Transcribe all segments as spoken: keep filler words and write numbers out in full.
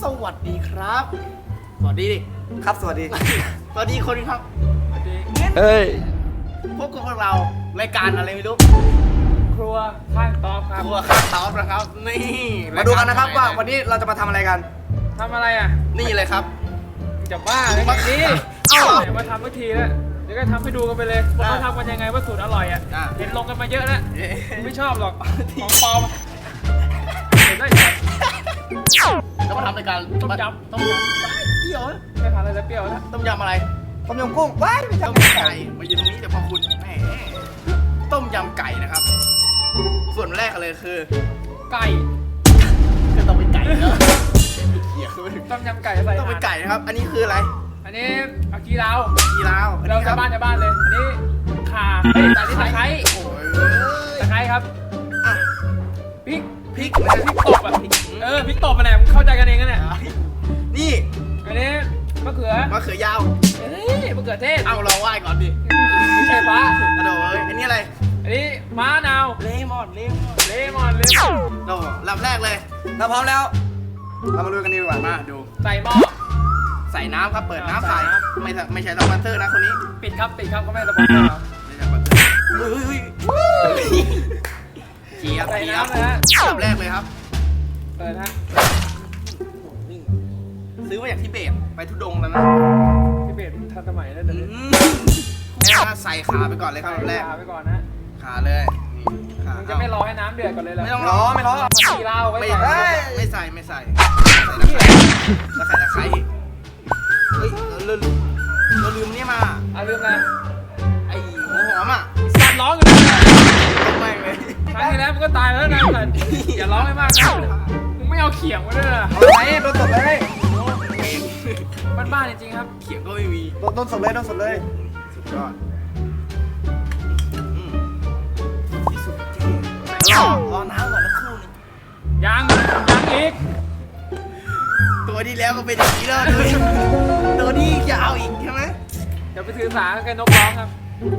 วัสดีครับสวัสดีดิครับสวัสดีสวัสดีคนครับสวัสดีเฮ้ยพบกับพวกเรารายการอะไรไม่รู้ครัวข้างตอบครับครัวข้างตอบนะครับนี่มาดูกันนะครับว่าวันนี้เราจะมาทำอะไรกันทำอะไรอ่ะนี่เลยครับจะบ้าเลยไงนี่เอ้าไหนมาทำเมื่อทีแล้วเดี๋ยวก็ทำให้ดูกันไปเลยว่าเขาทำกันยังไงว่าสูตรอร่อยอ่ะเห็นลงกันมาเยอะแล้วไม่ชอบหรอกของปลอมเห็นได้ยังแล้วมาทำรายการต้มยำต้มยำเปรี้ยวไม่ทานอะไรแล้วเปรี้ยวแล้วต้มยำอะไรต้มยำกุ้งว้ายไม่ใช่ต้มยำไก่มายืนตรงนี้เดี๋ยวพอคุณแหมต้มยำไก่นะครับส่วนแรกเลยคือไก่ก็ต้องเป็นไก่เนอะเหี้ยต้มยำไก่ใส่ต้องเป็นไก่นะครับ อันนี้คืออะไรอันนี้อากีราวกีราวอันเรานี้คจะรับบ้านจะบ้านเลยอันนี้ข่าเฮ้ยตะไคร้โอ้ยตะไคร้ครับอ่ะพริกพริกพริกตบอ่ะเออพริกตบมาแหละมึงเข้าใจกันเองกันเนี่ยนี่อันนี้มะเขือมะเขือยาวเฮ้ยมะเขือเทศเอาเราไหว้ก่อนดิไม่ใช่ฟ้ากระโดดเลยอันนี้อะไรอันนี้ม้านาวเลมอนเลมอนเลมอนเลมอนโอ้ลำแรกเลยเราพร้อมแล้วเรามาดูกันดีกว่ามาดูใส่หม้อใส่น้ำครับเปิดน้ำใส่ใส่น้ำไม่ใช่ไม่ใช่สปอนเซอร์นะคนนี้ปิดครับปิดครับก็ไม่สปอนเซอร์ครับไม่ใช่สปอนเซอร์เฮ้ยเฮ้ยเฮ้ยเจียบใส่เจียบน้ำเลยฮะลำแรกเลยครับเปิดฮะนี่ซื้อมาจากทิเบตไปทุดงแล้วนะที่เบสทันสมัยแล้วเดี๋ยวนี้อืมแม่ใส่ขาไปก่อนเลยครับลำแรกใส่ขาไปก่อนนะขาเลยนี่ขามึงจะไม่รอให้น้ำเดือดก่อนเลยเหรอไม่ต้องรอไม่รอผักชีลาวไว้ไม่ใส่ไม่ใส่ไม่ใส่ไม่ใส่แล้วใส่ตะไคร้อีกเฮ้ยเราลืมเราลืมนี่มาเอาลืมอะไรไอ้หัวหอมอ่ะสัตว์ร้องกันนะไม่เลยครั้งที่แล้วมันก็ตายแล้วนะสัตว์อย่าร้องให้มากนะมึงไม่เอาเขียงมาด้วยนะเอาไหนโดนสดเลยบ้านๆจริงๆครับเขียงก็ไม่มีโดนโดนสดเลยโดนสดเลยสุดยอดอืมที่สุดจริงรอรอน้ำก่อนนะครู่นึงยังยังอีกตัวที่แล้วก็เป็นอย่างนี้แล้วดูดิตัวนี้จะเอาอีกใช่ไหมเดี๋ยวไปถือสาแกนกร้องครับ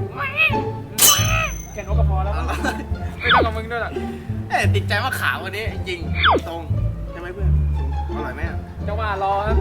แกนกก็พอแล้วมั้งไม่ต้องกับมึงด้วยหรอกเอ๊ะติดใจว่าขาววันนี้จริงตรงใช่ไหมเพื่อนอร่อยไหมอ่ะจังหวะรอครับ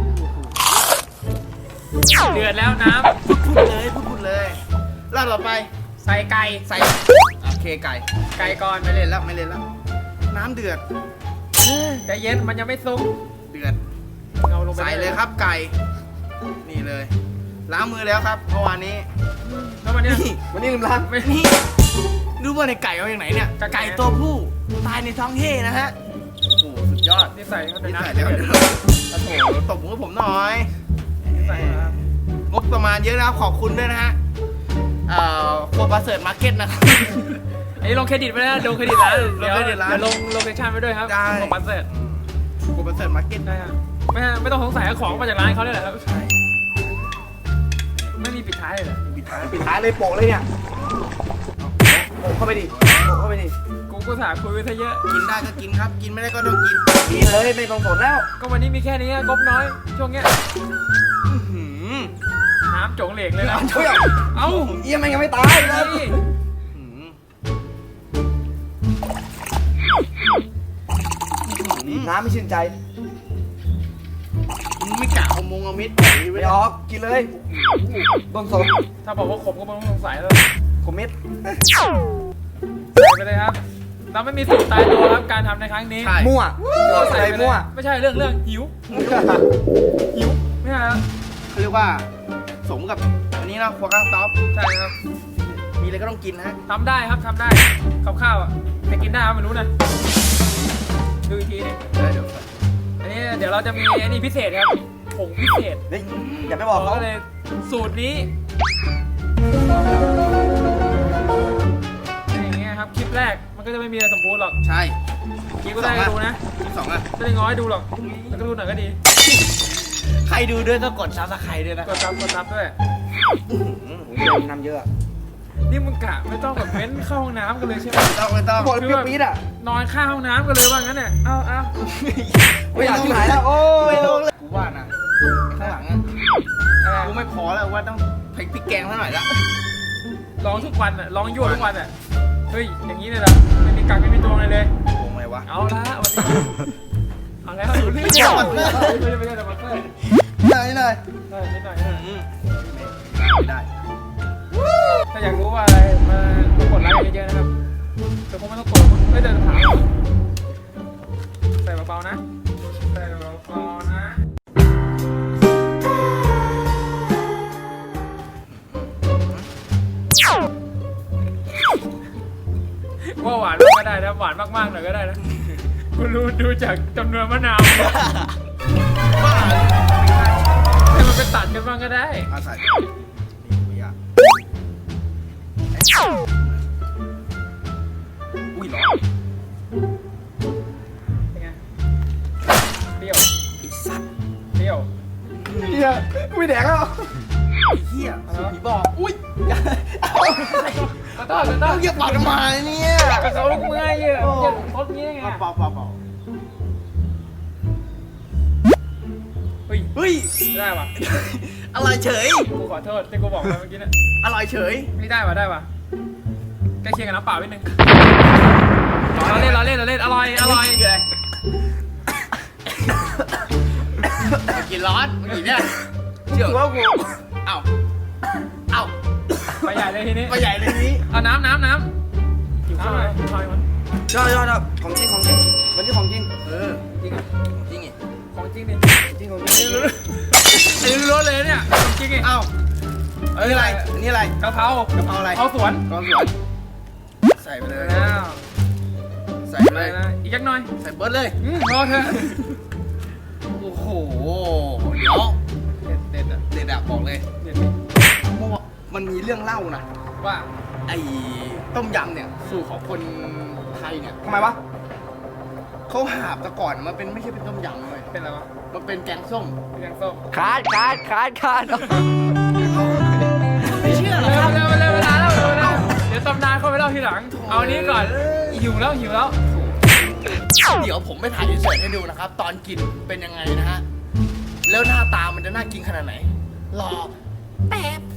เดือดแล้วน้พูดเลยพูดพูดเลยรอบต่อไปำใส่ไก่ใส่โอเคไก่ไก่ก่อนไม่เล่นแล้วไม่เล่นแล้วน้ำเดือดใจเย็นมันยังไม่สุกเดือดเอาลงไปใส่เลยครับไก่ นี่เลย ล้างมือแล้วครับเมื่อวานนี้แล้วมันเนี่ยนี่วันนี้ลืมล้างไม่นี่รู้ว่าในไก่เอาอย่างไหนเนี่ยไก่ไก่ตัวผู้ตายในท้องเฮ่นะฮะโอ้โหสุดยอดนี่ใส่เข้าไปนี่นะใส่แล้วโอ้โหตบมือผมหน่อยใส่ครับงบประมาณเยอะนะครับขอบคุณด้วยนะฮะเอ่อโคบัสเซิร์ตมาร์เก็ตนะครับอันนี้ลงเครดิตไปแล้วลงเครดิตร้านลงเครดิตร้านเดี๋ยวลงโลเคชั่นไปด้วยครับได้ของบัตเสร็จโคบัสเซิร์ตมาร์เก็ตได้ครับไม่ไม่ต้องสงสัยว่าของมาจากร้านเขาเลยแหละครับใช่ไม่มีปิดท้ายเลยเหรอปิดท้ายปิดท้ายเลยโปะเลยเนี่ยโปะเข้าไปดิโปะเข้าไปดิกูก็สาคุยไปซะเยอะกินได้ก็กินครับ กินไม่ได้ก็ต้องกินกินเลยไม่ต้องสดแล้วก็วันนี้มีแค่นี้งบน้อย ช่วงเนี้ยอื้อหือน้ำโจงเหลกเลยนะเฮ้ยเอ้าเอี้ยมันยังไม่ตายเลยนี่อื้อหือน้ำไม่ชื่นใจมึงไม่กะเอามงเอามิดปล่อยไว้ไม่เลยออกกินเลยโดนสดถ้าบอกว่าขมก็ไม่ต้องสงสัยแล้วคอมเมนต์ใส่ไปเลยครับ เราไม่มีสูตรตายตัวครับการทำในครั้งนี้ใช่มั่วเราใส่ไปเลยมั่วไม่ใช่เรื่องเรื่องหิวหิวไม่ใช่ครับเขาเรียกว่าสมกับอันนี้นะครัวกลางต๊อปใช่ครับมีอะไรก็ต้องกินนะฮะทำได้ครับทำได้ข้าวข้าวๆอ่ะแต่กินได้ไหมไม่รู้นะดูอีกทีหนึงเดี๋ยวเดี๋ยวอันนี้เดี๋ยวเราจะมีอันนี้พิเศษครับผงพิเศษเฮ้ยอย่าไปบอกเขาก็เลยสูตรนี้อย่างเงี้ยครับคลิปแรกมันก็จะไม่มีอะไรสมบูรณ์หรอกใช่คลิปก็ได้ดูนะที่สองอ่ะไม่ได้ง้อยดูหรอกแล้วก็ดูหน่อยก็ดีใครดูด้วยก็กดซับสไครต์ด้วยนะกดซับกดซับด้วยเดี๋ยวน้ำเยอะนี่มึงกะไม่ต้องแบบเว้นเข้าห้องน้ำกันเลยใช่ไหมไม่ต้องไม่ต้องบอกเลยเปรี้ยวปี๊ดอ่ะนอนข้างห้องน้ำกันเลยว่างั้นเนี่ยเอาเอาไม่อยากที่ไหนแล้วโอ้ยไม่ลงเลยกูว่านะข้างหลังอ่ะอะไรกูไม่พอแล้วว่าต้องพริกพริกแกงเท่าไหร่ละร้องทุกวันอ่ะร้องยั่วทุกวันอ่ะเฮ้ยอย่างนี้เลยเหรอไม่มีกักไม่มีตัวอะไรเลยโกงไงวะเอาละวันนี้เอาแล้วรู้เรื่องไม่ใช่ไม่ใช่สปอนเซอร์หน่อยหน่อยได้นิดหน่อยนิดหน่อยอืมไม่ได้ถ้าอยากรู้ว่าอะไรมากดไลค์เยอะๆนะครับแต่คงไม่ต้องกดไม่เดินถามใส่เบาๆนะใส่เบาๆนะว่าหวานก็ได้นะหวานมากๆหน่อยก็ได้นะคุณรู้ดูจากจำนวนมะนาวให้มันไปตัดกันบ้างก็ได้อาศัยไม่ยากอุ้ยร้อนเป็นไงเปรี้ยวไอ้สัตว์เปรี้ยวเฮียไม่แดกแล้วไอ้เหี้ยสูผีบอกอุ้ยมาต้อนมาต้อนเหยียบปากทำไมเนี่ยกระเขาลูกเมื่อยเยอะเยอะทดงี้ไงเปล่าเปล่าเปล่าเฮ้ยเฮ้ยไม่ได้ว่ะอะไรเฉยกูขอโทษที่กูบอกไปเมื่อกี้นะอะไรเฉยไม่ได้ว่ะได้ว่ะใกล้เคียงกับน้ำเปล่านิดนึงเราเล่นเราเล่นเราเล่นอร่อยอร่อยกินร้อนกินเนี่ยเชื่อว่ากูเอ้าเอ้าไปใหญ่เลยทีนี้ไปใหญ่เลยนี้เอาน้ำน้ำน้ำหิวข้าวหน่อยหิวข้าวมันยอดยอดของจริงของจริงวันนี้ของจริงเออจริงจริงไงของจริงดิจริงของจอันรินี้งรู้อันนี้รู้เลยเนี่ยของจริงไงเอ้าอันนี้อะไรอันนี้อะไรกะเพรากะเพราอะไรเอาสวนกองสวนใส่ไปเลยแล้วใส่ไปไปเลยนะอีกจักหน่อยใส่เบิร์ดเลยอืมรอเถอะโอ้โหเดี๋ยวเด็ดเด็ดอ่ะเด็ดอะบอกเลยเด็ดดิเพราะว่ามันมีเรื่องเล่านะว่าไอ้ต้มยำเนี่ยสูตรของคนไทยเนี่ยทำไมวะเขาหาบแต่ก่อนมันเป็นไม่ใช่เป็นต้มยำเลยเป็นอะไรวะมันเป็นแกงส้มเป็นแกงส้มขาดขาดขาดขาดไม่เชื่อหรอเร็คว รับเร็วเร็วเวลาแล้วเร็วเร็วเดี๋ยวตำนานเข้าไปเล่าทีหลัง เอาอันนี้ก่อนหิวแล้วหิวแล้วเดี๋ยวผมไปถ่ายอินเสิร์ตให้ดูนะครับ ตอนกินเป็นยังไงนะฮะ แล้วหน้าตามันจะน่ากินขนาดไหน รอแป๊บ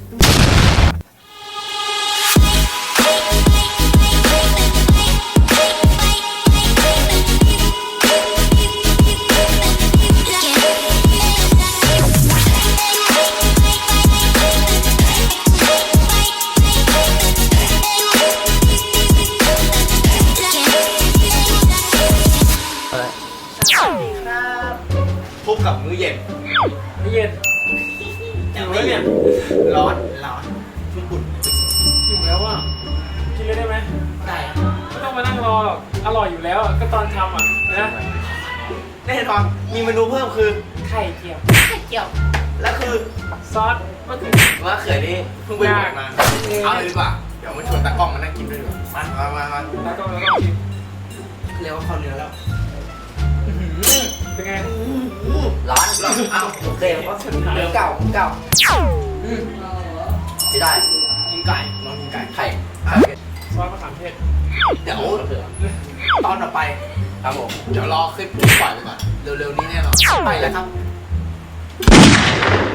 พบกับมื้อเย็นนี่เย็นหิวแล้วเนี่ยร้อนร้อนชุ่มอุ่นหิวแล้วอ่ะกินเลยได้ไหมได้ไม่ต้องมานั่งรอหรอกอร่อยอยู่แล้วอะก็ตอนทำอ่ะนะแน่นอนมีเมนูเพิ่มคือไข่เจียวไข่เจียว และคือซอสมะเขือว่าเขือนี่เพิ่งไปบวชมา เอาเลยดีกว่า เดี๋ยวมาชวนตากล้องมานั่งกินด้วยดีกว่ามามามามาแล้วก็แล้วก็กินเรียกว่าข้าวเนื้อแล้วเป็นไงร้อนร้อนเอ้าโอเคเพราะเนื้อเก่าเก่าอืมไม่ได้กินไก่ลองกินไก่ไข่อ่ะซอสมะขามเทศเดี๋ยวตอนต่อไปครับผมเดี๋ยวรอคลิปปล่อยไปก่อนเร็วๆนี้แน่นอนไปแล้วครับ